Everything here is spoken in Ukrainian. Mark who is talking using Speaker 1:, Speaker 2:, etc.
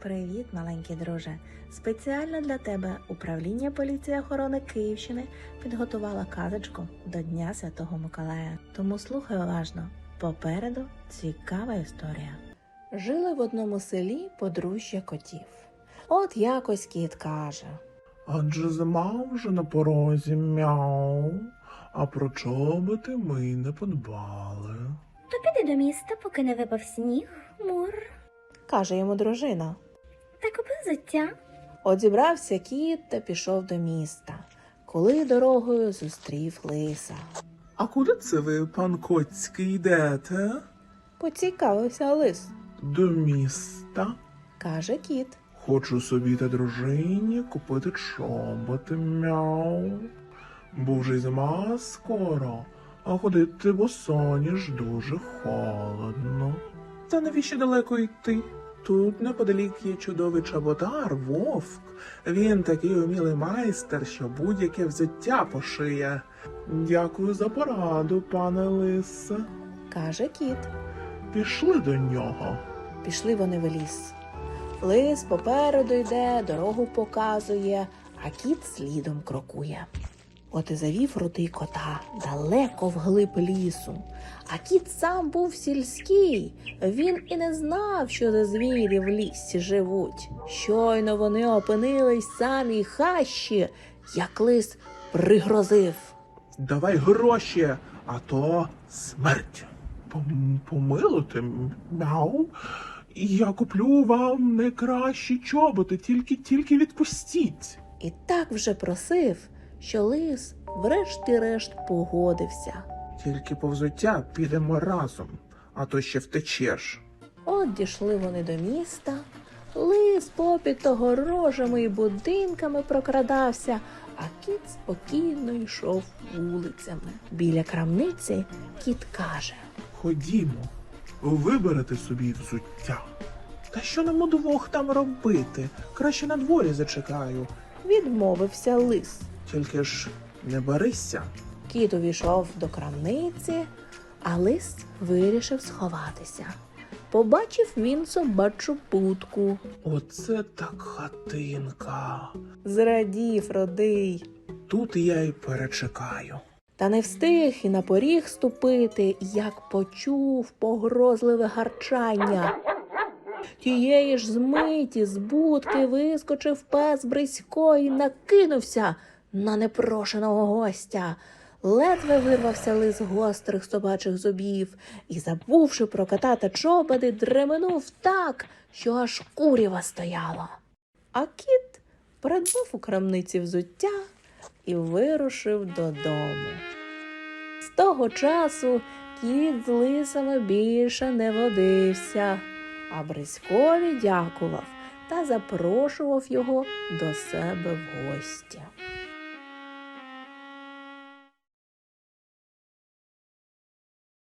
Speaker 1: Привіт, маленький друже! Спеціально для тебе Управління поліції охорони Київщини підготувала казочку до Дня Святого Миколая. Тому слухай уважно. Попереду цікава історія. Жили в одному селі подружжя котів. От якось кіт каже:
Speaker 2: Адже зима вже на порозі, мяу, а про чоботи ми й не подбали.
Speaker 3: То піди до міста, поки не випав сніг, мур.
Speaker 1: Каже йому дружина.
Speaker 3: Та купи взуття.
Speaker 1: От зібрався кіт та пішов до міста, коли дорогою зустрів лиса.
Speaker 2: А куди це ви, пан Коцький, йдете?
Speaker 1: Поцікавився лис.
Speaker 2: До міста.
Speaker 1: Каже кіт.
Speaker 2: Хочу собі та дружині купити чоботи, мяу. Бо вже й зима скоро, а ходити босоніж дуже холодно. Та навіщо далеко йти? Тут неподалік є чудовий чоботар, Вовк. Він такий умілий майстер, що будь-яке взуття пошиє. Дякую за пораду, пане лисе.
Speaker 1: Каже кіт.
Speaker 2: Пішли до нього.
Speaker 1: Пішли вони в ліс. Лис попереду йде, дорогу показує, а кіт слідом крокує. От і завів рудий кота далеко вглиб лісу. А кіт сам був сільський. Він і не знав, що за звірі в лісі живуть. Щойно вони опинились в самій хащі, як лис пригрозив.
Speaker 2: Давай гроші, а то смерть. Помилуйте, мяу. Я куплю вам найкращі чоботи, тільки відпустіть.
Speaker 1: І так вже просив, що лис врешті-решт погодився.
Speaker 2: Тільки по взуття підемо разом, а то ще втечеш.
Speaker 1: От дійшли вони до міста. Лис попід огорожами і будинками прокрадався, а кіт спокійно йшов вулицями. Біля крамниці кіт каже:
Speaker 2: Ходімо, виберете собі взуття. Та що нам удвох там робити? Краще на дворі зачекаю.
Speaker 1: Відмовився лис.
Speaker 2: Тільки ж не барися.
Speaker 1: Кіт увійшов до крамниці, а лис вирішив сховатися. Побачив він собачу будку.
Speaker 2: Оце так хатинка.
Speaker 1: Зрадів родий.
Speaker 2: Тут я й перечекаю.
Speaker 1: Та не встиг і на поріг ступити, як почув погрозливе гарчання. Тієї ж змиті з будки вискочив пес Брисько і накинувся на непрошеного гостя. Ледве вирвався лис гострих собачих зубів і, забувши про кота та чоботи, дременув так, що аж курява стояла. А кіт придбав у крамниці взуття і вирушив додому. З того часу кіт з лисами більше не водився, а Бриськові дякував та запрошував його до себе в гості.